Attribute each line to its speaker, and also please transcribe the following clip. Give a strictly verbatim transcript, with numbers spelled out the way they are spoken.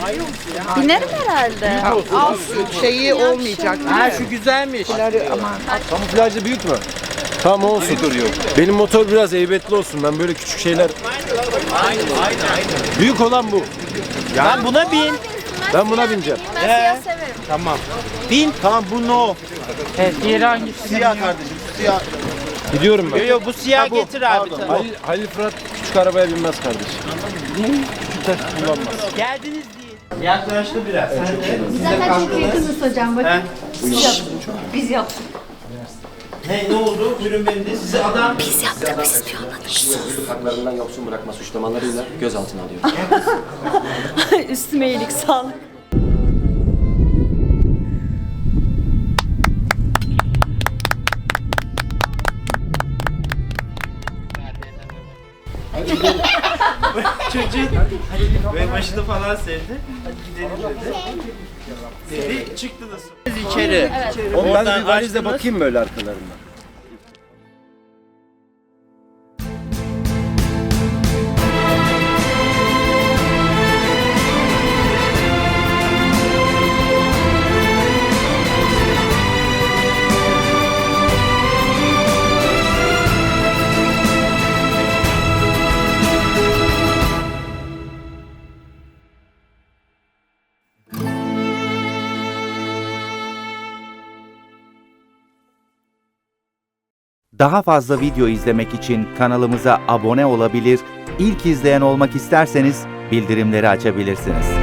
Speaker 1: Binerim herhalde.
Speaker 2: Alt şeyi olmayacak.
Speaker 3: Ha şu güzelmiş.
Speaker 2: Aman.
Speaker 4: Kamuflajlı büyük mü? Tamam olsun. Benim motor biraz heybetli olsun. Ben böyle küçük şeyler... Büyük olan bu.
Speaker 3: Ben buna bin.
Speaker 4: Ben buna bineceğim.
Speaker 1: Ben siyah severim.
Speaker 3: Tamam. Bin. Tamam bu no.
Speaker 5: Evet, diğeri hangisi?
Speaker 6: Siyah kardeşim, siyah.
Speaker 4: Gidiyorum ben.
Speaker 3: Yo yo bu siyah
Speaker 6: bu.
Speaker 3: getir abi.
Speaker 6: Pardon.
Speaker 3: tamam.
Speaker 4: Halil, Halil Fırat küçük arabaya binmez kardeşim. Küçük taş kullanmaz.
Speaker 3: Geldiniz değil. Yaklaştı biraz. Sen de.
Speaker 7: Zaten çok yakınız hocam. Bakın.
Speaker 1: Biz yaptık.
Speaker 3: Ne, ne oldu? Buyurun benim de size adam...
Speaker 1: Biz yaptık. Biz piyonladık.
Speaker 8: Haklarından yoksun bırakma suçlamalarıyla gözaltına alıyor.
Speaker 1: Üstüme iyilik sağlık.
Speaker 3: Çocuğun ve başını falan sevdi. Hadi gidelim dedi. Dedi çıktı nasıl? İçeri.
Speaker 4: Oğlum ben
Speaker 3: Oradan
Speaker 4: bir valizle
Speaker 3: açtınız.
Speaker 4: bakayım böyle arkalarına.
Speaker 9: Daha fazla video izlemek için kanalımıza abone olabilir, ilk izleyen olmak isterseniz bildirimleri açabilirsiniz.